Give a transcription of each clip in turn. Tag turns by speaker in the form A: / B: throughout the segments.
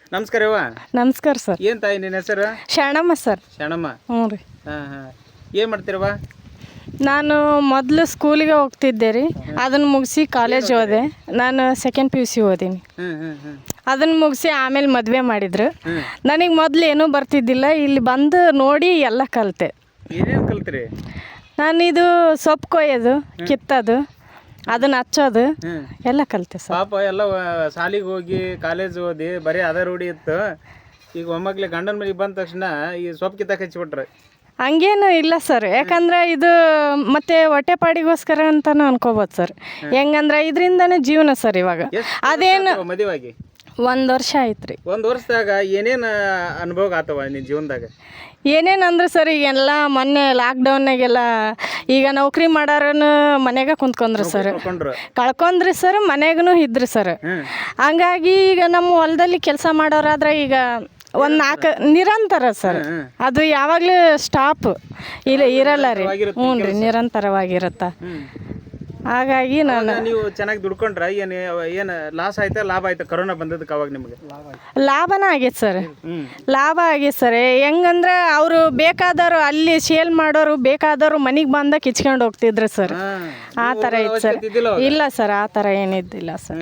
A: ನಮಸ್ಕಾರ ಯವ್ವ.
B: ನಮಸ್ಕಾರ ಸರ್.
A: ಏನ್ ತಾಯಿ ನಿನ್ನ ಹೆಸರು?
B: ಶರಣಮ್ಮ ಸರ್.
A: ಶರಣಮ್ಮ.
B: ಹ್ಞೂ ರೀ.
A: ಏನ್ ಮಾಡ್ತೀರವ್ವ?
B: ನಾನು ಮೊದಲು ಸ್ಕೂಲಿಗೆ ಹೋಗ್ತಿದ್ದೆ ರೀ. ಅದನ್ನು ಮುಗಿಸಿ ಕಾಲೇಜ್ ಹೋದೆ. ನಾನು ಸೆಕೆಂಡ್ PUC ಓದೀನಿ. ಅದನ್ನು ಮುಗಿಸಿ ಆಮೇಲೆ ಮದುವೆ ಮಾಡಿದ್ರು. ನನಗೆ ಮೊದಲು ಏನೂ ಬರ್ತಿದ್ದಿಲ್ಲ. ಇಲ್ಲಿ ಬಂದು ನೋಡಿ ಎಲ್ಲ ಕಲಿತೆ.
A: ಏನೇನು ಕಲ್ತ್ರಿ?
B: ನಾನಿದು ಸೊಪ್ಪು ಕೊಯ್ಯೋದು, ಕಿತ್ತೋದು, ಅದನ್ನ ಹಚ್ಚೋದು ಎಲ್ಲ ಕಲಿತೆ ಸರ್.
A: ಪಾಪ ಎಲ್ಲ ಶಾಲಿಗೆ ಹೋಗಿ ಕಾಲೇಜ್ ಓದಿ ಬರೀ ಅದ ರೂಢಿ ಇತ್ತು. ಈಗ ಒಮ್ಮಕ್ಲೆ ಗಂಡನ ಮನೆಗೆ ಬಂದ ತಕ್ಷಣ ಈ ಸೊಪ್ಪು ಕಿತ್ತಾಕ ಹಚ್ಚಿಬಿಟ್ರೆ.
B: ಹಂಗೇನು ಇಲ್ಲ ಸರ್. ಯಾಕಂದ್ರೆ ಇದು ಮತ್ತೆ ಹೊಟ್ಟೆಪಾಡಿಗೋಸ್ಕರ ಅಂತಾನು ಅನ್ಕೋಬೋದು ಸರ್. ಹೆಂಗಂದ್ರೆ ಇದರಿಂದನೇ ಜೀವನ ಸರ್. ಇವಾಗ ಅದೇನು
A: ಮದುವಾಗಿ
B: 1 ವರ್ಷ ಆಯ್ತು ರೀ.
A: 1 ವರ್ಷದಾಗ ಏನೇನು ಅನುಭವ ಆತವ ನಿನ್ನ ಜೀವನದಾಗ?
B: ಏನೇನಂದ್ರೆ ಸರ್, ಈಗೆಲ್ಲ ಮೊನ್ನೆ ಲಾಕ್ಡೌನ್ನಾಗೆಲ್ಲ ಈಗ ನೌಕರಿ ಮಾಡೋರನ್ನು ಮನೆಗೆ ಕುಂತ್ಕೊಂಡ್ರಿ ಸರ್. ಕಳ್ಕೊಂಡ್ರಿ ಸರ್, ಮನೆಗೂ ಇದ್ರಿ ಸರ್. ಹಂಗಾಗಿ ಈಗ ನಮ್ಮ ಹೊಲದಲ್ಲಿ ಕೆಲಸ ಮಾಡೋರಾದ್ರೆ ಈಗ ಒಂದು 4 ನಿರಂತರ ಸರ್. ಅದು ಯಾವಾಗಲೂ ಸ್ಟಾಪ್ ಇರಲ್ಲ ರೀ. ಹ್ಞೂ ರೀ, ನಿರಂತರವಾಗಿರುತ್ತೆ. ಹಾಗಾಗಿ
A: ನೀವು ಚೆನ್ನಾಗಿ ದುಡ್ಕೊಂಡ್ರ ಏನು ಲಾಸ್ ಆಯ್ತಾ ಲಾಭ ಆಯ್ತಾ ಕೊರೋನಾ ಬಂದದಕ್ಕೆ? ಅವಾಗ ನಿಮಗೆ
B: ಲಾಭನ ಆಗೈತೆ ಸರ್. ಲಾಭ ಆಗೈತೆ ಸರ್. ಹೆಂಗಂದ್ರೆ ಅವರು ಬೇಕಾದವರು ಅಲ್ಲಿ ಸೇಲ್ ಮಾಡೋರು ಬೇಕಾದವರು ಮನೆಗೆ ಬಂದಾಗ ಕಿಚ್ಕೊಂಡು ಹೋಗ್ತಿದ್ರು ಸರ್. ಆ ಥರ ಇತ್ತು ಸರ್. ಇಲ್ಲ ಸರ್, ಆ ಥರ ಏನಿದ್ದಿಲ್ಲ ಸರ್.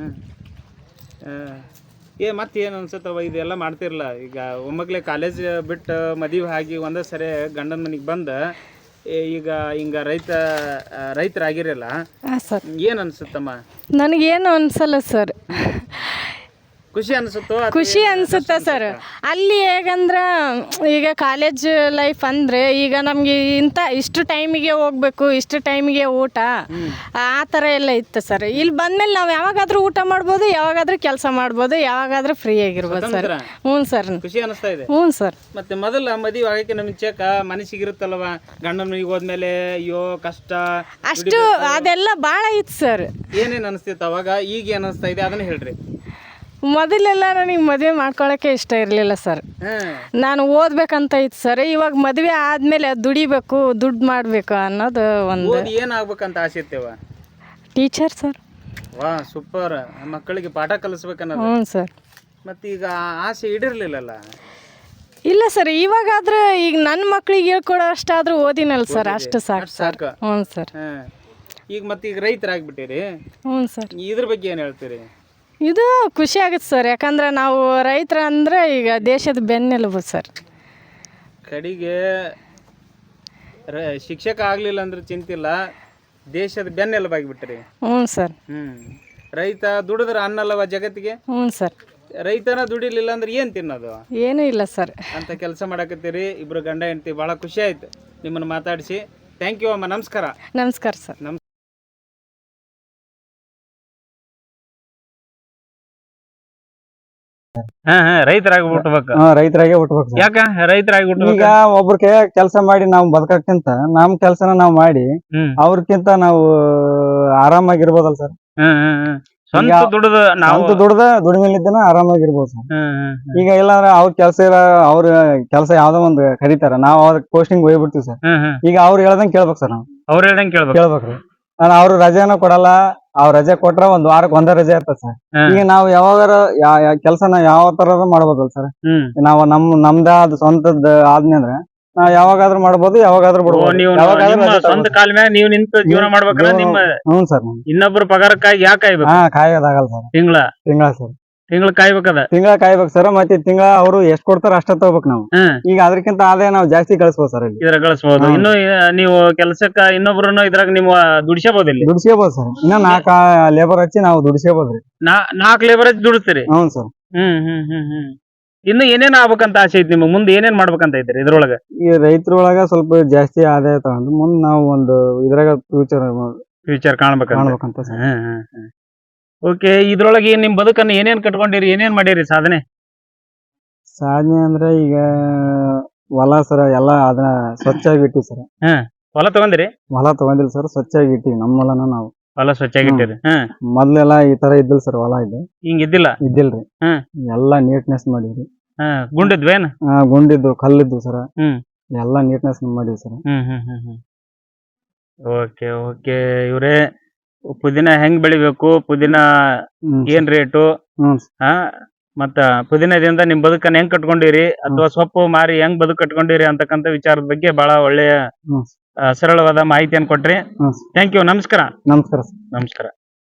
A: ಮತ್ತೇನು ಅನ್ಸುತ್ತವ ಇದೆಲ್ಲ ಮಾಡ್ತಿರಲ್ಲ? ಈಗ ಒಮ್ಮಕ್ಲೆ ಕಾಲೇಜ್ ಬಿಟ್ಟು ಮದುವೆ ಆಗಿ ಒಂದೇ ಸರಿ ಗಂಡನ ಮನೆಗೆ ಬಂದ ಈಗ ಹಿಂಗ ರೈತರಾಗಿರಲ್ಲ, ಏನು ಅನ್ಸುತ್ತಮ್ಮ?
B: ನನಗೇನು ಅನ್ಸಲ್ಲ ಸರ್.
A: ಖುಷಿ ಅನ್ಸುತ್ತೋ?
B: ಖುಷಿ ಅನ್ಸುತ್ತೆ ಸರ್. ಅಲ್ಲಿ ಹೇಗಂದ್ರೆ ಈಗ ಕಾಲೇಜ್ ಲೈಫ್ ಅಂದರೆ ಈಗ ನಮಗೆ ಇಷ್ಟು ಟೈಮಿಗೆ ಹೋಗ್ಬೇಕು, ಇಷ್ಟು ಟೈಮಿಗೆ ಊಟ, ಆ ಥರ ಎಲ್ಲ ಇತ್ತು ಸರ್. ಇಲ್ಲಿ ಬಂದಮೇಲೆ ನಾವು ಯಾವಾಗಾದ್ರೂ ಊಟ ಮಾಡ್ಬೋದು, ಯಾವಾಗಾದ್ರೂ ಕೆಲಸ ಮಾಡ್ಬೋದು, ಯಾವಾಗಾದ್ರೂ ಫ್ರೀ ಆಗಿರ್ಬೋದು ಸರ್. ಹ್ಞೂ ಸರ್.
A: ಖುಷಿ ಅನಿಸ್ತಾ ಇದೆ?
B: ಹ್ಞೂ ಸರ್.
A: ಮತ್ತೆ ಮೊದಲ ಮದುವೆ ಆಗಕ್ಕೆ ನಮಗೆ ಚೇಕ ಮನಸ್ಸಿಗಿರುತ್ತಲ್ವ, ಗಂಡನ ಮನೆಗೆ ಹೋದ್ಮೇಲೆ ಅಯ್ಯೋ ಕಷ್ಟ
B: ಅಷ್ಟು ಅದೆಲ್ಲ ಭಾಳ ಇತ್ತು ಸರ್.
A: ಏನೇನು ಅನಿಸ್ತಿತ್ತು ಅವಾಗ? ಈಗ ಏನು ಅನಿಸ್ತಾ ಇದೆ ಅದನ್ನ ಹೇಳ್ರಿ.
B: ಮೊದಲೆಲ್ಲ ನನಗೆ ಮದುವೆ ಮಾಡ್ಕೊಳ್ಳೋಕ್ಕೆ ಇಷ್ಟ ಇರಲಿಲ್ಲ ಸರ್. ನಾನು ಓದ್ಬೇಕಂತ ಇತ್ತು ಸರ್. ಇವಾಗ ಮದುವೆ ಆದಮೇಲೆ ದುಡಿಬೇಕು, ದುಡ್ಡು ಮಾಡಬೇಕು ಅನ್ನೋದು ಒಂದು.
A: ಏನಾಗ್ಬೇಕಂತ ಆಸೆ ಇರ್ತೇವ?
B: Teacher sir.
A: ವಾ, ಸೂಪರ್. ಮಕ್ಕಳಿಗೆ ಪಾಠ ಕಲಿಸ್ಬೇಕನ್ನೋದು.
B: ಹ್ಞೂ ಸರ್.
A: ಮತ್ತು ಈಗ ಆಸೆ ಈಡಿರ್ಲಿಲ್ಲಲ್ಲ?
B: ಇಲ್ಲ ಸರ್, ಇವಾಗಾದ್ರೆ ಈಗ ನನ್ನ ಮಕ್ಳಿಗೆ ಹೇಳ್ಕೊಡೋ ಅಷ್ಟಾದ್ರೂ ಓದಿನಲ್ಲ ಸರ್, ಅಷ್ಟು ಸಾಕು ಸಾಕು. ಹ್ಞೂ ಸರ್.
A: ಈಗ ಮತ್ತೆ ಈಗ ರೈತರಾಗ್ಬಿಟ್ಟಿರಿ.
B: ಹ್ಞೂ ಸರ್.
A: ಇದ್ರ ಬಗ್ಗೆ ಏನು ಹೇಳ್ತೀರಿ?
B: ಇದು ಖುಷಿ ಆಗುತ್ತೆ ಸರ್. ಯಾಕಂದ್ರೆ ನಾವು ರೈತರ ಅಂದರೆ ಈಗ ದೇಶದ ಬೆನ್ನೆಲುಬು ಸರ್.
A: ಕಡೆಗೆ ಶಿಕ್ಷಕ ಆಗಲಿಲ್ಲ ಅಂದ್ರೆ ಚಿಂತಿಲ್ಲ, ದೇಶದ ಬೆನ್ನೆಲುಬಾಗಿಬಿಟ್ರಿ.
B: ಹ್ಞೂ ಸರ್.
A: ರೈತ ದುಡಿದ್ರೆ ಅನ್ನಲ್ಲವ ಜಗತ್ತಿಗೆ?
B: ಹ್ಞೂ ಸರ್.
A: ರೈತನ ದುಡಿಲಿಲ್ಲ ಅಂದ್ರೆ ಏನು ತಿನ್ನೋದು?
B: ಏನೂ ಇಲ್ಲ ಸರ್.
A: ಅಂತ ಕೆಲಸ ಮಾಡಕತ್ತೀರಿ ಇಬ್ರು ಗಂಡ ಹೆಂಡತಿ. ಭಾಳ ಖುಷಿ ಆಯ್ತು ನಿಮ್ಮನ್ನು ಮಾತಾಡಿಸಿ. ಥ್ಯಾಂಕ್ ಯು ಅಮ್ಮ. ನಮಸ್ಕಾರ.
B: ನಮಸ್ಕಾರ ಸರ್.
A: ರೈತರಾಗಿ ಹುಟ್ಟಬೇಕು.
C: ರೈತರಾಗೆ ಹುಟ್ಟಬೇಕು.
A: ಯಾಕ ರೈತರಾಗಿ ಹುಟ್ಟಬೇಕು?
C: ಈಗ ಒಬ್ರ ಕೈ ಕೆಲಸ ಮಾಡಿ ನಾವು ಬದುಕಕ್ಕಿಂತ ನಮ್ ಕೆಲ್ಸನ ನಾವ್ ಮಾಡಿ ಅವ್ರಕ್ಕಿಂತ ನಾವು ಆರಾಮಾಗಿರ್ಬೋದಲ್ಲ ಸರ್.
A: ಸ್ವಂತ
C: ದುಡ್ದ ದುಡಿಮೆಲಿದ್ದನ ಆರಾಮಾಗಿರ್ಬೋದು ಸರ್. ಈಗ ಇಲ್ಲಾಂದ್ರೆ ಅವ್ರ ಅವ್ರ ಕೆಲಸ ಯಾವ್ದೋ ಒಂದು ಕರೀತಾರ, ನಾವ್ ಅವ್ರ ಪೋಸ್ಟಿಂಗ್ ಹೋಗ್ಬಿಡ್ತೀವಿ ಸರ್. ಈಗ ಅವ್ರು ಹೇಳ್ದಂಗ್ ಕೇಳ್ಬೇಕು ಸರ್. ನಾವು
A: ಅವ್ರ ಹೇಳ್ದಂಗ್
C: ಕೇಳ್ಬೇಕ್ರಿ. ಅವ್ರು ರಜೆನ ಕೊಡಲ್ಲ. ಅವ್ರ ರಜೆ ಕೊಟ್ರ ಒಂದ್ ವಾರಕ್ಕೆ ಒಂದೇ ರಜೆ ಇರ್ತದೆ ಸರ್. ಈಗ ನಾವು ಯಾವಾಗಾರ ಕೆಲ್ಸನ ಯಾವ ತರ ಮಾಡ್ಬೋದಲ್ಲ ಸರ್. ನಾವು ನಮ್ದ ಅದು ಸ್ವಂತದ ಆದ್ನಿ ಅಂದ್ರೆ ನಾವ್ ಯಾವಾಗಾದ್ರೂ ಮಾಡ್ಬೋದು, ಯಾವಾಗಾದ್ರೂ ಬಿಡ್ಬೋದು.
A: ಸ್ವಂತ ಕಾಲ ಮ್ಯಾಗ ನೀವು ನಿಂತು ಜೀವನ ಮಾಡ್ಬೇಕಂದ್ರೆ ನಿಮ್ಮ
C: ಹ್ಞೂ ಸರ್.
A: ಇನ್ನೊಬ್ರು ಪಗಾರಕ್ಕಾಗಿ ಯಾಕೆ ಕಾಯ್ಬೇಕು?
C: ಕಾಯೋದಾಗಲ್ಲ ಸರ್. ತಿಂಗಳ ಸರ್.
A: ತಿಂಗಳ ಕಾಯ್ಬೇಕದ.
C: ತಿಂಗಳ ಕಾಯ್ಬೇಕು ಸರ್. ಮತ್ತೆ ತಿಂಗಳ ಅವ್ರು ಎಷ್ಟ್ ಕೊಡ್ತಾರ ಅಷ್ಟ ತಗೋಬೇಕು ನಾವು. ಈಗ ಅದಕ್ಕಿಂತ ಆದಾಯ ನಾವು ಜಾಸ್ತಿ ಗಳಿಸ್ಬೋದು ಸರ್.
A: ಇದ್ರ ಗಳಿಸಬಹುದು. ಇನ್ನು ನೀವು ಕೆಲಸಕ್ಕ ಇನ್ನೊಬ್ರನ್ನ ಇದ್ರಾಗ ನೀವು ದುಡಿಸಬಹುದು.
C: ದುಡಿಸಬಹುದು ಸರ್. ಇನ್ನ 4 ಲೇಬರ್ ಹಚ್ಚಿ ನಾವು ದುಡಿಸಬಹುದ್ರಿ.
A: 4 ಲೇಬರ್ ಹಚ್ಚಿ ದುಡಿಸ್ತೀರಿ?
C: ಹ್ಞೂ ಸರ್.
A: ಇನ್ನು ಏನೇನ್ ಆಗ್ಬೇಕಂತ ಆಸೆ ಐತಿ ನಿಮ್ಗೆ? ಮುಂದೆ ಏನೇನ್ ಮಾಡ್ಬೇಕಂತ ಐತ್ರಿ ಇದ್ರೊಳಗ?
C: ಈ ರೈತರೊಳಗ ಸ್ವಲ್ಪ ಜಾಸ್ತಿ ಆದಾಯ ತಗೊಂಡು ಮುಂದ್ ನಾವು ಒಂದು ಇದ್ರಾಗ ಫ್ಯೂಚರ್ ಕಾಣ್ಬೇಕಂತ ಸರ್.
A: ಓಕೆ. ಇದ್ರೊಳಗೆ ನಿಮ್ ಬದುಕನ್ನ ಏನೇನ್ ಕಟ್ಕೊಂಡಿರಿ, ಏನೇನ್ ಮಾಡಿರಿ ಸಾಧನೆ
C: ಅಂದ್ರೆ ಈಗ ಹೊಲ ಸರ ಎಲ್ಲ ಅದನ್ನ ಸ್ವಚ್ಛಾಗಿ ಇಟ್ಟಿವಿ ಸರ್.
A: ಹೊಲ ತಗೊಂಡಿರಿ?
C: ಹೊಲ ತಗೊಂಡಿಲ್ಲ ಸರ್, ಸ್ವಚ್ಛಾಗಿ ಇಟ್ಟಿವಿ. ನಮ್ಮ ಹೊಲನ ನಾವು
A: ಹೊಲ ಸ್ವಚ್ಛಾಗಿ ಇಟ್ಟಿರಿ.
C: ಮೊದ್ಲೆಲ್ಲ ಈ ತರ ಇದ್ದಿಲ್ಲ ಸರ್. ಹೊಲ ಇದ್ದಿಲ್ರಿ. ಎಲ್ಲಾ ನೀಟ್ನೆಸ್ ಮಾಡಿದ್ರಿ.
A: ಗುಂಡಿದ್ವೇನ್?
C: ಗುಂಡಿದ್ದು ಕಲ್ಲಿದ್ದು ಸರ. ಎಲ್ಲಾ ನೀಟ್ನೆಸ್ ಮಾಡಿದ್ವಿ ಸರ್.
A: Okay okay. ಇವ್ರೇ ಪುದೀನ ಹೆಂಗ್ ಬೆಳಿಬೇಕು, ಪುದೀನ ಏನ್ ರೇಟು, ಮತ್ತ ಪುದೀನದಿಂದ ನಿಮ್ ಬದುಕನ್ನ ಹೆಂಗ್ ಕಟ್ಕೊಂಡಿರಿ ಅಥವಾ ಸೊಪ್ಪು ಮಾರಿ ಹೆಂಗ್ ಬದುಕು ಕಟ್ಕೊಂಡಿರಿ ಅಂತಕ್ಕಂಥ ವಿಚಾರದ ಬಗ್ಗೆ ಬಹಳ ಒಳ್ಳೆಯ ಸರಳವಾದ ಮಾಹಿತಿಯನ್ನು ಕೊಟ್ರಿ. Thank you. ನಮಸ್ಕಾರ.
C: ನಮಸ್ಕಾರ.
A: ನಮಸ್ಕಾರ.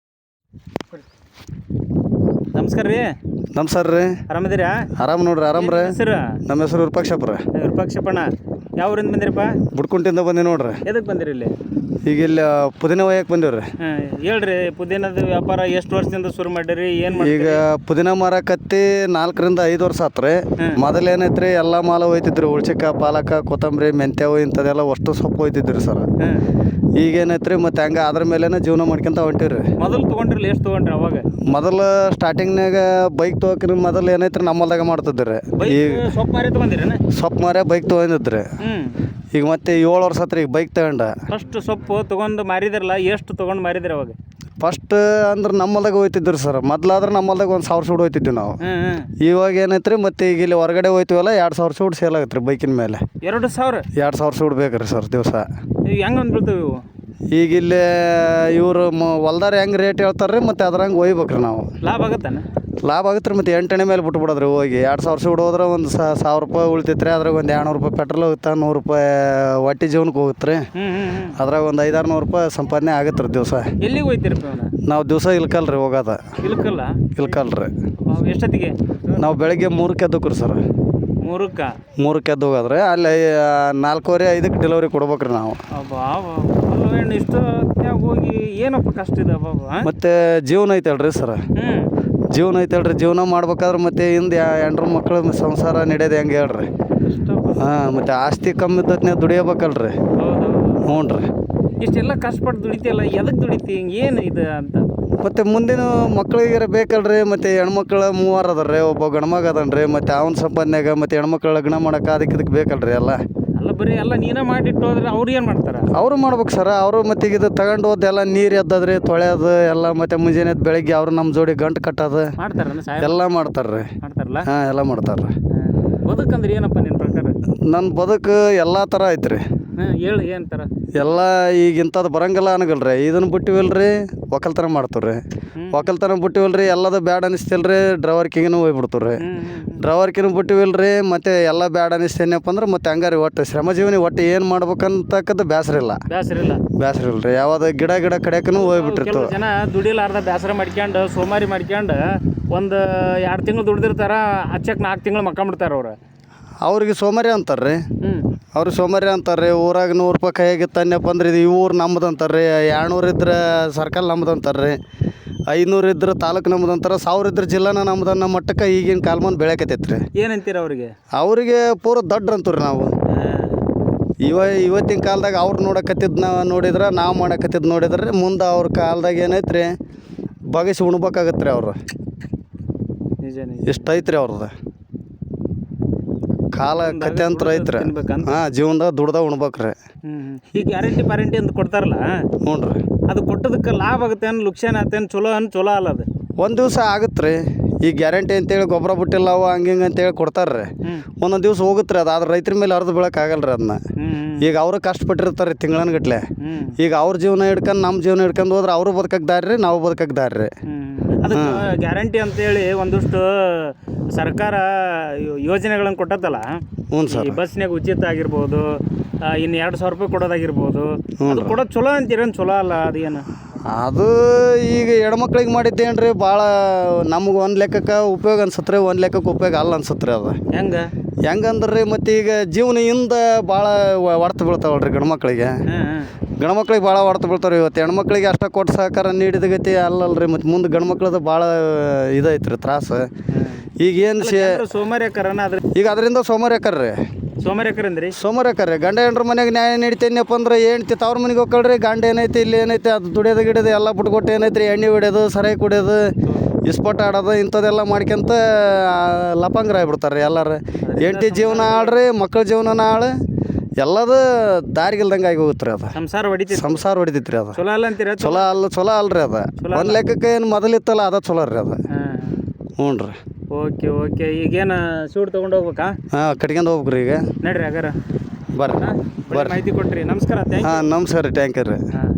A: ನಮಸ್ಕಾರ ರೀ.
D: ನಮಸ್ಕಾರ ರೀ.
A: ಆರಾಮದಿರಾ?
D: ಆರಾಮ್ ನೋಡ್ರಿ. ಆರಾಮ್ರಿ.
A: ಹೆಸರು?
D: ನಮ್ಮ ಹೆಸರು ವಿರೂಪಾಕ್ಷಪ್ಪ.
A: ವಿರೂಪಾಕ್ಷಪ್ಪಣ್ಣ, ಯಾವ ಊರಿಂದ ಬಂದಿರಪ್ಪ?
D: ಬುಡ್ಕುಂಟಿಂದ ಬಂದಿ ನೋಡ್ರಿ.
A: ಎದಕ್ ಬಂದಿರಿ ಇಲ್ಲಿ?
D: ಈಗ ಇಲ್ಲಿ ಪುದೀನ ಒಯ್ಯಕ್ಕೆ ಬಂದಿವ್ರಿ.
A: ಹೇಳ್ರಿ, ಪುದೀನದ ವ್ಯಾಪಾರ ಎಷ್ಟು ವರ್ಷದಿಂದ ಶುರು ಮಾಡಿರಿ? ಏನ್
D: ಈಗ ಪುದೀನ ಮಾರಕತ್ತಿ 4 ರಿಂದ 5 ವರ್ಷ ಆತ್ರಿ. ಮೊದಲು ಏನೈತ್ರಿ, ಎಲ್ಲ ಮಾಲ ಒಯ್ತಿದ್ರಿ. ಉಳ್ಚಿಕ, ಪಾಲಕ, ಕೊತ್ತಂಬರಿ, ಮೆಂತ್ಯವು ಇಂಥದೆಲ್ಲ ಅಷ್ಟು ಸೊಪ್ಪು ಒಯ್ತಿದ್ರಿ ಸರ್. ಈಗ ಏನೈತ್ರಿ, ಮತ್ತೆ ಹಂಗ ಅದ್ರ ಮೇಲೆನ ಜೀವನ ಮಾಡ್ಕೊಂತ ಹೊಂಟಿವ್ರಿ.
A: ಮೊದಲು ತಗೊಂಡ್ರಿ, ಎಷ್ಟು ತಗೊಂಡ್ರಿ ಅವಾಗ?
D: ಮೊದಲು ಸ್ಟಾರ್ಟಿಂಗ್ನಾಗ ಬೈಕ್ ತೊಗೊಕ್ರಿ ಮೊದಲು ಏನೈತ್ರಿ ನಮ್ಮಲ್ದಾಗ ಮಾಡ್ತಿದ್ರಿ. ಈಗ
A: ಸೊಪ್ಪು ಮಾರಿ ತಗೊಂಡಿರೇನ?
D: ಸೊಪ್ಪು ಮಾರೇ ಬೈಕ್ ತೊಗೊಂಡಿದ್ರಿ. ಈಗ ಮತ್ತೆ 7 ವರ್ಷ ಆತ್ರಿ ಈಗ ಬೈಕ್ ತಗೊಂಡ.
A: ಫಸ್ಟ್ ಸೊಪ್ಪು ತಗೊಂಡು ಮಾರಿದ್ರಲ್ಲ, ಎಷ್ಟು ತಗೊಂಡು ಮಾರಿದ್ರಿ ಅವಾಗ?
D: ಫಸ್ಟ್ ಅಂದ್ರೆ ನಮ್ಮಲ್ದಾಗ ಹೋಯ್ತಿದ್ರಿ ಸರ್. ಮೊದ್ಲಾದ್ರೆ ನಮ್ಮಲ್ದಾಗ 1,000 ಸೂಡು ಹೋಯ್ತಿದ್ವಿ ನಾವು. ಇವಾಗ ಏನೈತ್ರಿ, ಮತ್ತೆ ಈಗ ಇಲ್ಲಿ ಹೊರಗಡೆ ಹೋಯ್ತೀವಲ್ಲ 2,000 ಸೂಡು ಸೇಲ್ ಆಗತ್ರಿ ಬೈಕಿನ ಮೇಲೆ. 2,000 ಸೂಡು ಬೇಕ್ರಿ ಸರ್ ದಿವಸ.
A: ಹೆಂಗೆ ಅಂದ್ಬಿಡ್ತೀವಿ ಇವು?
D: ಈಗ ಇಲ್ಲಿ ಇವರು ಹೊಲ್ದಾರ ಹೆಂಗೆ ರೇಟ್ ಹೇಳ್ತಾರ್ರಿ, ಮತ್ತೆ ಅದ್ರಂಗೆ ಒಯ್ಬೇಕ್ರಿ ನಾವು.
A: ಲಾಭ ಆಗತ್ತಾನ?
D: ಲಾಭ ಆಗುತ್ತೆ ರೀ. ಮತ್ತೆ 8 ಎಣ್ಣೆ ಮೇಲೆ ಬಿಟ್ಬಿಡೋದ್ರಿ ಹೋಗಿ. 2,000 ಸೂಡು ಹೋದ್ರೆ ಒಂದು 1,000 ರೂಪಾಯಿ ಉಳಿತೈತ್ರಿ. ಅದ್ರಾಗ ಒಂದು 200 ರೂಪಾಯಿ ಪೆಟ್ರೋಲ್ ಹೋಗುತ್ತೆ, 100 ರೂಪಾಯಿ ಹೊಟ್ಟೆ ಜೀವನಕ್ಕೆ ಹೋಗುತ್ತೆ ರೀ. ಅದ್ರಾಗ ಒಂದು 500-600 ರೂಪಾಯಿ ಸಂಪಾದನೆ ಆಗತ್ತೆ ರೀ ದಿವಸ.
A: ಎಲ್ಲಿಗೆ ಹೋಯ್ತಿರಪ್ಪ? ನಾವು
D: ದಿವಸ ಇಲ್ಕಲ್ರಿ ಹೋಗೋದ. ಇಲ್ಕಲ್ರಿ.
A: ಎಷ್ಟೊತ್ತಿಗೆ? ನಾವು
D: ಬೆಳಗ್ಗೆ 3ಕ್ಕೆ ಎದ್ದಕ್ರಿ ಸರ್. 3ಕ್ಕೆ ಎದ್ದು ಹೋಗೋದ್ರಿ. ಅಲ್ಲಿ 4:45-5ಕ್ಕೆ ಡೆಲಿವರಿ ಕೊಡ್ಬೇಕ್ರಿ ನಾವು.
A: ಇಷ್ಟು ಹೋಗಿ ಏನಪ್ಪ ಕಷ್ಟ ಇದೆ
D: ಮತ್ತೆ ಜೀವನ ಐತಲ್ರಿ ಸರ್. ಜೀವನ ಮಾಡ್ಬೇಕಾದ್ರೆ ಮತ್ತೆ ಹಿಂದೆ 2 ಮಕ್ಕಳ ಸಂಸಾರ ನಡೆಯೋದು ಹೆಂಗೆ ಹೇಳ್ರಿ? ಮತ್ತೆ ಆಸ್ತಿ ಕಮ್ಮಿ ಇದ್ದತ್ನೇ ದುಡಿಯಬೇಕಲ್ರಿ. ಹ್ಞೂ ರೀ.
A: ಇಷ್ಟೆಲ್ಲ ಕಷ್ಟಪಟ್ಟು ದುಡಿತಿಯಲ್ಲ, ಎದಕ್ಕೆ ದುಡಿತಿ? ಏನು ಇದು ಅಂತ
D: ಮತ್ತೆ ಮುಂದಿನ ಮಕ್ಳಿಗೆ ಬೇಕಲ್ರಿ. ಮತ್ತೆ ಹೆಣ್ಮಕ್ಳು 3 ಅದಾರ್ರಿ, ಒಬ್ಬ ಗಂಡ್ಮಗ ಅದನ್ರಿ. ಮತ್ತೆ ಅವನ ಸಂಪಾದನೆಯಾಗ ಮತ್ತೆ ಹೆಣ್ಮಕ್ಳು ಲಗ್ನ ಮಾಡಕ್ಕೆ ಅದಕ್ಕೆ ಬೇಕಲ್ರಿ ಎಲ್ಲ.
A: ಅಲ್ಲ ಬರೀ ಎಲ್ಲ ನೀನೇ ಮಾಡಿಟ್ಟು ಹೋದ್ರೆ ಅವ್ರು ಏನು ಮಾಡ್ತಾರೆ?
D: ಅವರು ಮಾಡ್ಬೇಕು ಸರ್. ಅವರು ಮತ್ತೆ ಈಗ ಇದು ತಗೊಂಡು ಹೋದೆಲ್ಲ ನೀರು ಎದ್ದದ್ರಿ, ತೊಳೆಯೋದು ಎಲ್ಲ. ಮತ್ತೆ ಮುಂಜಾನೆ ಬೆಳಗ್ಗೆ ಅವ್ರು ನಮ್ಮ ಜೋಡಿ ಗಂಟು ಕಟ್ಟೋದು ಎಲ್ಲ ಮಾಡ್ತಾರ್ರಿ. ಹಾಂ, ಎಲ್ಲ ಮಾಡ್ತಾರ್ರಿ.
A: ಬದುಕಂದ್ರೆ ಏನಪ್ಪ ನಿನ್ನ ಪ್ರಕಾರ?
D: ನನ್ನ ಬದುಕು ಎಲ್ಲ ಥರ ಐತ್ರಿ.
A: ಹೇಳು, ಏನು ಥರ?
D: ಎಲ್ಲ ಈಗ ಇಂಥದ್ದು ಬರಂಗಿಲ್ಲ ಅನ್ನಗಲ್ರಿ. ಇದನ್ನು ಬಿಟ್ಟಿವಲ್ರಿ, ಒಕ್ಕಲ್ತನ ಮಾಡ್ತೀವ್ರಿ. ಒಕ್ಕಲ್ತನ ಬಿಟ್ಟಿವಲ್ರಿ, ಎಲ್ಲದು ಬ್ಯಾಡ್ ಅನಿಸ್ತಿಲ್ರಿ. ಡ್ರೈವರ್ಕಿಗೂ ಹೋಗ್ಬಿಡ್ತೀವ್ರಿ. ಡ್ರೈವರ್ಕಿನೂ ಬಿಟ್ಟಿವಲ್ರಿ. ಮತ್ತೆ ಎಲ್ಲ ಬ್ಯಾಡ್ ಅನಿಸ್ತೇನಪ್ಪ ಅಂದ್ರೆ ಮತ್ತೆ ಹಂಗಾರಿ ಒಟ್ಟು ಶ್ರಮಜೀವನಿ ಒಟ್ಟು ಏನು ಮಾಡ್ಬೇಕಂತಕ್ಕದ್ದು ಬೇಸರ ಇಲ್ರಿ. ಯಾವ್ದು ಗಿಡ ಕಡೆಯಕ್ಕೂ ಹೋಗ್ಬಿಟ್ಟಿರ್ತು.
A: ಜನ ದುಡಿಲಾರ್ದ ಬೇಸರ ಮಾಡ್ಕೊಂಡು ಸೋಮಾರಿ ಮಾಡ್ಕೊಂಡು ಒಂದು 2 ತಿಂಗಳು ದುಡ್ದಿರ್ತಾರ, ಹಚ್ಚಕ್ಕೆ 4 ತಿಂಗಳು ಮಕ್ಕೊಂಬಿಡ್ತಾರ ಅವ್ರು.
D: ಅವ್ರಿಗೆ ಸೋಮಾರಿ ಅಂತಾರ್ರಿ. ಅವ್ರಿಗೆ ಸೋಮಾರಿ ಅಂತಾರ್ರಿ. ಊರಾಗ 100 ರೂಪಾಯಿ ಕೈಯಾಗಿತ್ತನ್ನಪ್ಪ ಅಂದ್ರೆ ಇದು ಈ ಊರು ನಮ್ಮದು ಅಂತಾರ್ರಿ. 200 ಇದ್ರೆ ಸರ್ಕಲ್ ನಮ್ಮದು ಅಂತಾರ್ರಿ. 500 ಇದ್ರೆ ತಾಲೂಕು ನಮ್ಮದು ಅಂತಾರೆ. 1000 ಇದ್ರೆ ಜಿಲ್ಲಾನ ನಮ್ಮದು ಅನ್ನೋ ಮಟ್ಟಕ್ಕೆ ಈಗಿನ ಕಾಲ್ಮಾನ ಬೆಳೆಕತ್ತೈತ್ರಿ.
A: ಏನಂತೀರ ಅವ್ರಿಗೆ?
D: ಅವ್ರಿಗೆ ಪೂರ ದಡ್ಡ್ರ ಅಂತೀವ್ರಿ ನಾವು. ಇವತ್ತಿನ ಕಾಲದಾಗ ಅವ್ರು ನೋಡಿದ್ರೆ ನಾವು ಮಾಡಕತ್ತಿದ್ದು ನೋಡಿದ್ರೆ ಮುಂದೆ ಅವ್ರ ಕಾಲದಾಗ ಏನೈತ್ರಿ, ಬಗಸಿ ಉಣ್ಬೇಕಾಗತ್ತೆ ರೀ ಅವ್ರು. ಎಷ್ಟು ಐತ್ರಿ ಅವ್ರದ್ದು ಕಾಲ ಕತೆ ಅಂತ ಐತ್ರಿ. ಹಾಂ, ಜೀವನದಾಗ ದುಡ್ದ ಉಣ್ಬೇಕ್ರಿ.
A: ಈಗ ಗ್ಯಾರಂಟಿ ಅಂತ ಕೊಡ್ತಾರಲ್ಲ,
D: ಹ್ಞೂ ರೀ.
A: ಅದು ಕೊಟ್ಟದಕ್ಕೆ ಲಾಭ ಆಗುತ್ತೆ ಅನ್ ಲುಕ್ಷಾನ ಆಗುತ್ತೆ ಚಲೋ ಅಲ್ಲ ಅದು?
D: ಒಂದು ದಿವಸ ಆಗುತ್ತೆ ರೀ. ಈಗ ಗ್ಯಾರಂಟಿ ಅಂತೇಳಿ ಗೊಬ್ಬರ ಬಿಟ್ಟಿಲ್ಲ ಅವು ಹಂಗೆ ಅಂತೇಳಿ ಕೊಡ್ತಾರ್ರಿ. ಒಂದೊಂದು ದಿವಸ ಹೋಗುತ್ತೆ ರೀ ಅದು. ಆದ್ರೆ ರೈತರ ಮೇಲೆ ಅರ್ಧ ಬೀಳಕ್ಕಾಗಲ್ರಿ ಅದನ್ನ. ಈಗ ಅವರು ಕಷ್ಟಪಟ್ಟಿರ್ತಾರೆ ತಿಂಗಳನ್ಗಟ್ಲೆ. ಈಗ ಅವ್ರ ಜೀವನ ಹಿಡ್ಕೊಂಡು ನಮ್ಮ ಜೀವನ ಹಿಡ್ಕೊಂಡು ಹೋದ್ರೆ ಅವರು ಬದುಕಕ್ಕೆ ದಾರಿ ರೀ, ನಾವು ಬದುಕಕ್ಕೆ ದಾರಿ ರೀ.
A: ಅದಕ್ಕೆ ಗ್ಯಾರಂಟಿ ಅಂತೇಳಿ ಒಂದಿಷ್ಟು ಸರ್ಕಾರ ಯೋಜನೆಗಳನ್ನು ಕೊಟ್ಟತ್ತಲ್ಲ.
D: ಹ್ಞೂ ಸರ್.
A: ಈ ಬಸ್ನಾಗ ಉಚಿತ ಆಗಿರ್ಬೋದು, ಇನ್ನು 2,000 ರೂಪಾಯಿ ಕೊಡೋದಾಗಿರ್ಬೋದು, ಅದು ಕೊಡೋದು ಚಲೋ ಅಂತೀರೇನು? ಚಲೋ ಅಲ್ಲ ಅದೇನು?
D: ಅದು ಈಗ ಹೆಣ್ಮಕ್ಳಿಗೆ ಮಾಡಿದ್ದೇನ್ರಿ ಭಾಳ ನಮ್ಗೆ ಒಂದು ಲೆಕ್ಕಕ್ಕೆ ಉಪಯೋಗ ಅನ್ಸತ್ತೆ ರೀ, ಒಂದು ಲೆಕ್ಕಕ್ಕೆ ಉಪಯೋಗ ಅಲ್ಲ ಅನ್ಸತ್ತೆ ರೀ. ಅದು ಹೆಂಗಂದ್ರೆ ಮತ್ತೆ ಈಗ ಜೀವನದಿಂದ ಭಾಳ ಹೊಡ್ತು ಬೀಳ್ತಾವಲ್ರಿ ಗಂಡ್ಮಕ್ಳಿಗೆ. ಗಂಡ್ಮಕ್ಳಿಗೆ ಭಾಳ ಹೊಡ್ತು ಬೀಳ್ತಾವ್ರಿ. ಇವತ್ತು ಹೆಣ್ಮಕ್ಳಿಗೆ ಅಷ್ಟ ಕೊಟ್ಟು ಸಹಕಾರ ನೀಡಿದ ಗತಿ ಅಲ್ಲಲ್ರಿ. ಮತ್ತು ಮುಂದೆ ಗಂಡ್ಮಕ್ಳದ್ದು ಭಾಳ ಇದೈತೆ ರೀ ತ್ರಾಸು. ಈಗೇನು ಈಗ ಅದರಿಂದ ಸೋಮಾರಿಯಾಕರ್ರಿ. ಸೋಮಾರಿಯಾಕರ್ರಿ. ಗಂಡ ಹೆಂಡ್ರ ಮನೆಗೆ ನ್ಯಾಯ ನೀಡ್ತೇನಪ್ಪ ಅಂದ್ರೆ ಹೆಂಡ್ತಿ ತವ್ರ ಮನೆಗೆ ಹೋಗ್ಕೊಳ್ರಿ. ಗಂಡ ಏನೈತಿ ಇಲ್ಲಿ ಏನೈತಿ ಅದು ದುಡಿಯೋದು ಗಿಡೋದು ಎಲ್ಲ ಬಿಟ್ಕೊಟ್ಟು ಏನೈತಿ ರೀ, ಎಣ್ಣೆ ಹೊಡ್ಯೋದು, ಸರಾಯಿ ಕುಡಿಯೋದು, ಇಸ್ಪೋಟ ಆಡೋದು ಇಂಥದ್ದೆಲ್ಲ ಮಾಡ್ಕೊಂತ ಲಪಂಗ್ರ ಆಗ್ಬಿಡ್ತಾರೆ ಎಲ್ಲರೂ. ಹೆಂಡ್ತಿ ಜೀವನ ಆಳ್ರಿ, ಮಕ್ಕಳ ಜೀವನ ಆಳು, ಎಲ್ಲದು ದಾರಿಗಿಲ್ದಂಗೆ ಆಗಿ ಹೋಗುತ್ತೆ ರೀ. ಅದು ಸಂಸಾರ ಹೊಡಿತೈತಿ ರೀ. ಅದು ಚಲೋ ಅಲ್ರಿ. ಅದು ಒಂದು ಲೆಕ್ಕಕ್ಕೆ ಏನು ಮೊದಲಿತ್ತಲ್ಲ ಅದ ಚಲೋ ರೀ ಅದು. ಹ್ಞೂ ರೀ.
A: ಓಕೆ. ಈಗೇನು ಸೂಟ್ ತೊಗೊಂಡು ಹೋಗ್ಬೇಕಾ?
D: ಹಾಂ, ಕಟ್ಕೊಂಡು ಹೋಗ್ಬೇಕ್ರಿ. ಈಗ
A: ನಡ್ರಿ ಹಾಗಾರ
D: ಬರ್ರಿ.
A: ಮಾಹಿತಿ ಕೊಟ್ರಿ. ನಮಸ್ಕಾರ.
D: ಹಾಂ, ನಮಸ್ಕಾರ ರೀ. ಥ್ಯಾಂಕ್ ಯು ರೀ.